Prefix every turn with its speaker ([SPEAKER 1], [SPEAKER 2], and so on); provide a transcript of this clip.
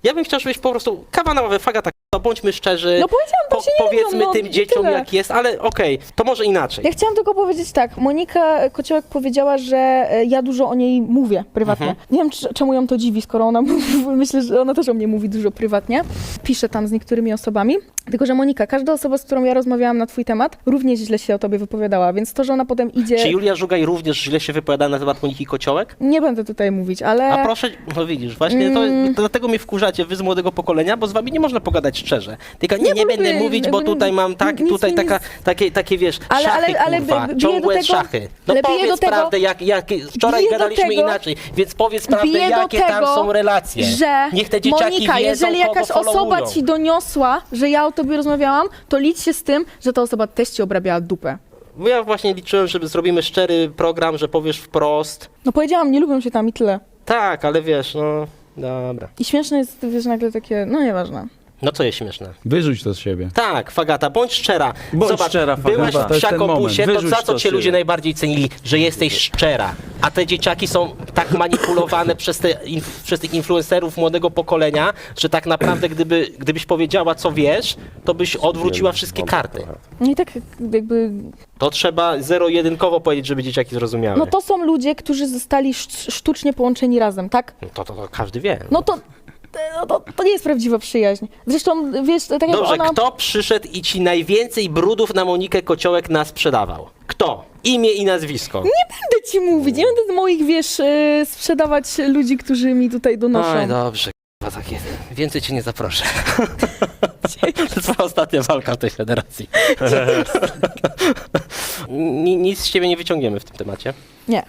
[SPEAKER 1] Ja bym chciał, żebyś po prostu kawa na ławę, Fagata, no bądźmy szczerzy.
[SPEAKER 2] No powiedziałam, to się nie
[SPEAKER 1] powiedzmy
[SPEAKER 2] lubią, no,
[SPEAKER 1] tym
[SPEAKER 2] i
[SPEAKER 1] dzieciom
[SPEAKER 2] tyle.
[SPEAKER 1] jak jest, ale okej, to może inaczej.
[SPEAKER 2] Ja chciałam tylko powiedzieć tak, Monika Kociołek powiedziała, że ja dużo o niej mówię prywatnie. Nie wiem, czemu ją to dziwi, skoro ona myślę, że ona też o mnie mówi dużo prywatnie. Pisze tam z niektórymi osobami. Tylko, że Monika, każda osoba, z którą ja rozmawiałam na twój temat, również źle się o tobie wypowiadała, więc to, że ona potem idzie...
[SPEAKER 1] Czy Julia Żugaj również źle się wypowiada na temat Moniki Kociołek?
[SPEAKER 2] Nie będę tutaj mówić, ale...
[SPEAKER 1] A proszę, no widzisz, właśnie to dlatego mnie wkurzacie, wy z młodego pokolenia, bo z wami nie można pogadać szczerze. Tylko nie
[SPEAKER 2] bo
[SPEAKER 1] będę
[SPEAKER 2] lubię,
[SPEAKER 1] mówić, bo
[SPEAKER 2] jakby
[SPEAKER 1] tutaj mam tak,
[SPEAKER 2] nic
[SPEAKER 1] tutaj
[SPEAKER 2] mi
[SPEAKER 1] takie wiesz,
[SPEAKER 2] Ale-
[SPEAKER 1] szachy,
[SPEAKER 2] ale
[SPEAKER 1] kurwa,
[SPEAKER 2] biję
[SPEAKER 1] ciągłe
[SPEAKER 2] do tego-
[SPEAKER 1] szachy. No
[SPEAKER 2] ale biję
[SPEAKER 1] powiedz
[SPEAKER 2] do tego-
[SPEAKER 1] prawdę, jak wczoraj
[SPEAKER 2] biję do
[SPEAKER 1] gadaliśmy
[SPEAKER 2] tego-
[SPEAKER 1] inaczej, więc powiedz prawdę,
[SPEAKER 2] biję do
[SPEAKER 1] jakie tam
[SPEAKER 2] tego,
[SPEAKER 1] są relacje.
[SPEAKER 2] że
[SPEAKER 1] Niech te dzieciaki
[SPEAKER 2] Monika,
[SPEAKER 1] wiedzą,
[SPEAKER 2] jeżeli jakaś
[SPEAKER 1] kogo
[SPEAKER 2] osoba
[SPEAKER 1] followują.
[SPEAKER 2] ci doniosła, że ja o tobie rozmawiałam, to licz się z tym, że ta osoba też ci obrabiała dupę.
[SPEAKER 1] Bo ja właśnie liczyłem, że zrobimy szczery program, że powiesz wprost.
[SPEAKER 2] No powiedziałam, nie lubią się tam i tyle.
[SPEAKER 1] Tak, ale wiesz, no dobra.
[SPEAKER 2] I śmieszne jest, wiesz, nagle takie, no nieważne.
[SPEAKER 1] No co jest śmieszne?
[SPEAKER 3] Wyrzuć to z siebie.
[SPEAKER 1] Tak, Fagata, bądź szczera.
[SPEAKER 4] Bądź
[SPEAKER 1] Zobacz,
[SPEAKER 4] szczera, Fagata.
[SPEAKER 1] byłaś
[SPEAKER 3] To
[SPEAKER 1] w
[SPEAKER 3] jest ten
[SPEAKER 1] psiakobusie,
[SPEAKER 3] moment.
[SPEAKER 1] to
[SPEAKER 4] Wyrzuć
[SPEAKER 1] za co
[SPEAKER 4] to
[SPEAKER 1] cię
[SPEAKER 4] z
[SPEAKER 1] ludzie
[SPEAKER 4] siebie.
[SPEAKER 1] najbardziej cenili? Że jesteś szczera. A te dzieciaki są tak manipulowane przez tych influencerów młodego pokolenia, że tak naprawdę gdybyś powiedziała, co wiesz, to byś odwróciła wszystkie karty.
[SPEAKER 2] No i tak jakby,
[SPEAKER 1] To trzeba zero-jedynkowo powiedzieć, żeby dzieciaki zrozumiały.
[SPEAKER 2] no to są ludzie, którzy zostali sztucznie połączeni razem, tak?
[SPEAKER 1] No to każdy wie.
[SPEAKER 2] No to nie jest prawdziwa przyjaźń. Zresztą, wiesz, tak jak
[SPEAKER 1] Dobrze,
[SPEAKER 2] ona...
[SPEAKER 1] kto przyszedł i ci najwięcej brudów na Monikę Kociołek nasprzedawał? Kto? Imię i nazwisko.
[SPEAKER 2] Nie będę ci mówić, nie będę moich, wiesz, sprzedawać ludzi, którzy mi tutaj donoszą.
[SPEAKER 1] Oj, dobrze, k***a, tak jest. Więcej cię nie zaproszę. To jest twoja ostatnia walka w tej federacji. Nic z ciebie nie wyciągniemy w tym temacie.
[SPEAKER 2] Nie.